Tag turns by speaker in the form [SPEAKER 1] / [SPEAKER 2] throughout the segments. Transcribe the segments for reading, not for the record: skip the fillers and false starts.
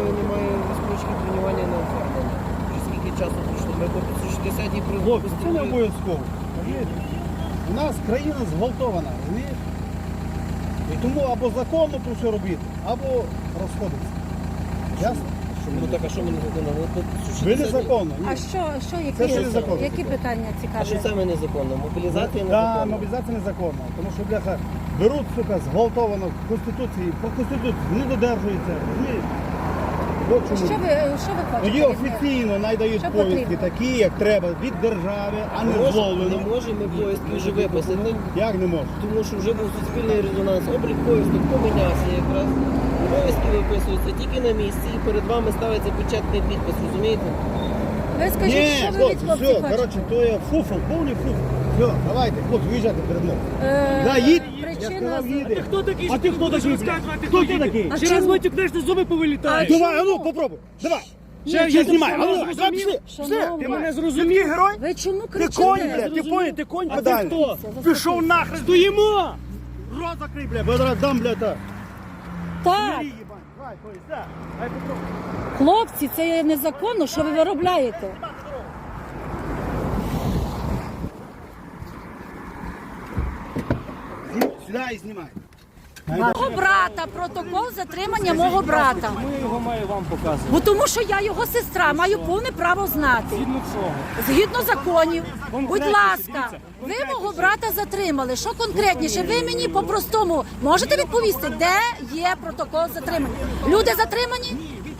[SPEAKER 1] немає розпочки бронювання на оформлення. Вже скільки часу пройшло? Ми по 560
[SPEAKER 2] Хлопці, це не обов'язково. У нас країна зґвалтована, розумієте? І тому або законно то все робити, або розходитися. Ясно?
[SPEAKER 1] Ну так, а що ми незаконно?
[SPEAKER 2] Ви незаконно.
[SPEAKER 3] А
[SPEAKER 2] Ні.
[SPEAKER 3] що,
[SPEAKER 2] Це незаконно.
[SPEAKER 3] які питання
[SPEAKER 1] А що
[SPEAKER 3] цікаві?
[SPEAKER 1] саме незаконно? Мобілізація
[SPEAKER 2] Так,
[SPEAKER 1] незаконна?
[SPEAKER 2] мобілізація незаконна. Тому що, бляха, беруть, сука, зґвалтовано в Конституції, по Конституції не додержуються. Розумієте? От чому.
[SPEAKER 3] Що ви хочете?
[SPEAKER 2] Тоді
[SPEAKER 3] від них?
[SPEAKER 2] офіційно найдають
[SPEAKER 3] Що
[SPEAKER 2] повістки
[SPEAKER 3] потрібно?
[SPEAKER 2] такі, як треба, від держави, а не
[SPEAKER 1] Не
[SPEAKER 2] зловлено.
[SPEAKER 1] можемо ми поїздки вже виписати,
[SPEAKER 2] Як не може?
[SPEAKER 1] тому що вже був суспільний резонанс. Облік поїздок помінявся якраз. Повістки виписуються тільки на місці і перед вами ставиться печатний підпис, розумієте?
[SPEAKER 3] Ви скажіть,
[SPEAKER 2] Ні,
[SPEAKER 3] що ви від
[SPEAKER 2] хлопці,
[SPEAKER 3] хлопців
[SPEAKER 2] все,
[SPEAKER 3] хочете?
[SPEAKER 2] коротше, то є фуфл, повний фуфл. Все, давайте, хлопці, виїжджайте перед мною. Да, їдь. Я
[SPEAKER 3] Причина...
[SPEAKER 2] сказав, їди.
[SPEAKER 4] Хто такий?
[SPEAKER 2] А ти хто такий? Хто ти такий?
[SPEAKER 3] А
[SPEAKER 4] Ще раз
[SPEAKER 3] чому?
[SPEAKER 4] витікнеш, то зуби повилітають.
[SPEAKER 2] Давай, а ну, попробуй. Давай. Ще знімай. А ну, давай, давай, пішли.
[SPEAKER 3] Шановні,
[SPEAKER 4] Ти мене зрозумів?
[SPEAKER 2] Герой?
[SPEAKER 3] ви чому
[SPEAKER 2] Ти конь,
[SPEAKER 3] кричите?
[SPEAKER 2] бля, ти конь, ти конь
[SPEAKER 4] А ти
[SPEAKER 2] педальний.
[SPEAKER 4] хто?
[SPEAKER 2] Пішов нахрен.
[SPEAKER 4] Стоїмо!
[SPEAKER 2] Рот закрий, бля, бо зараз дам, бля, та.
[SPEAKER 3] Так,
[SPEAKER 2] Давай, поїзд, да. Ай, попробуй.
[SPEAKER 3] хлопці, це є незаконно, що ви виробляєте.
[SPEAKER 2] Сюди і знімай.
[SPEAKER 3] Мого брата, протокол затримання мого брата.
[SPEAKER 4] Ми його маю вам показувати.
[SPEAKER 3] Бо тому що я його сестра, маю повне право знати.
[SPEAKER 4] Згідно чого?
[SPEAKER 3] Згідно законів. Будь
[SPEAKER 4] Конкретніше,
[SPEAKER 3] ласка,
[SPEAKER 4] дивіться,
[SPEAKER 3] ви мого брата затримали. Що конкретніше? Ви мені по-простому можете відповісти, де є протокол затримання? Люди затримані?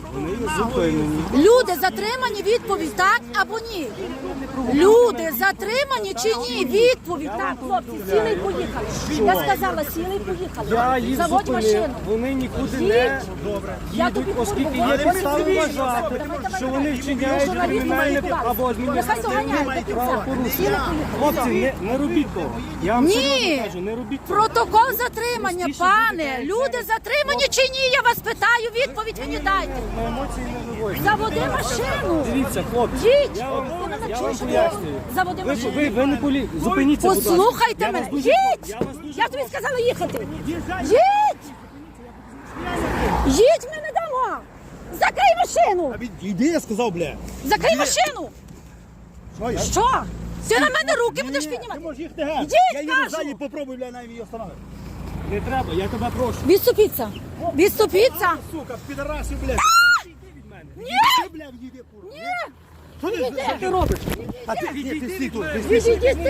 [SPEAKER 3] Люди затримані, відповідь так або ні? Люди затримані чи ні? Відповідь так, хлопці, сіли і поїхали. Я сказала, сіли і поїхали.
[SPEAKER 4] Я їх
[SPEAKER 3] Заводь
[SPEAKER 4] зупинив,
[SPEAKER 3] машину.
[SPEAKER 4] вони нікуди
[SPEAKER 3] Їдь.
[SPEAKER 4] не
[SPEAKER 3] Я тобі
[SPEAKER 4] їдуть, оскільки
[SPEAKER 3] говорю,
[SPEAKER 4] є
[SPEAKER 3] ви
[SPEAKER 4] підстави
[SPEAKER 3] цивільні.
[SPEAKER 4] вважати,
[SPEAKER 3] Давай,
[SPEAKER 4] що вони вчиняють
[SPEAKER 3] журналісти
[SPEAKER 4] кримінальне
[SPEAKER 3] маніпулювати.
[SPEAKER 4] або
[SPEAKER 3] Нехай
[SPEAKER 4] адміністративне
[SPEAKER 3] доганяють до кінця. Сіли,
[SPEAKER 4] правопорушення.
[SPEAKER 3] поїхали.
[SPEAKER 4] Хлопці, не робіть того. Я вам
[SPEAKER 3] Ні.
[SPEAKER 4] серйозно кажу, не робіть того.
[SPEAKER 3] Протокол затримання, пане. Люди затримані чи ні? Я вас питаю, відповідь мені дайте.
[SPEAKER 4] На емоції не виводьте.
[SPEAKER 3] Заводи машину.
[SPEAKER 4] Дивіться, хлопці,
[SPEAKER 3] Їдь.
[SPEAKER 4] я вам
[SPEAKER 3] Ти мене чуєш?
[SPEAKER 4] пояснюю.
[SPEAKER 3] Заводи машину.
[SPEAKER 4] Ви не полі... Зупиніться, будь ласка.
[SPEAKER 3] Послухайте
[SPEAKER 4] Я вас
[SPEAKER 3] мене.
[SPEAKER 4] дуже-
[SPEAKER 3] Їдь.
[SPEAKER 4] Я вас дуже
[SPEAKER 3] Я тобі сказала їхати. Їдь. Їдь, ми не дамо. Закрий машину.
[SPEAKER 2] Іди, я сказав, бля.
[SPEAKER 3] Закрий машину.
[SPEAKER 2] Що я?
[SPEAKER 3] Що? Ти на мене руки будеш
[SPEAKER 2] Ти
[SPEAKER 3] піднімати?
[SPEAKER 2] можеш їхати геть.
[SPEAKER 3] Йдіть,
[SPEAKER 2] Я їду
[SPEAKER 3] кажу.
[SPEAKER 2] ззаді, попробуй, бля, навіть її остановити.
[SPEAKER 4] Не треба, я тебе прошу.
[SPEAKER 3] Відступіться. Відступіться.
[SPEAKER 2] Сука, підараси, бля.
[SPEAKER 3] Ні.
[SPEAKER 2] Ти, бля, в'їди, курва.
[SPEAKER 3] Ні.
[SPEAKER 2] Що ти робиш? А ти стій тут.
[SPEAKER 3] Відійди.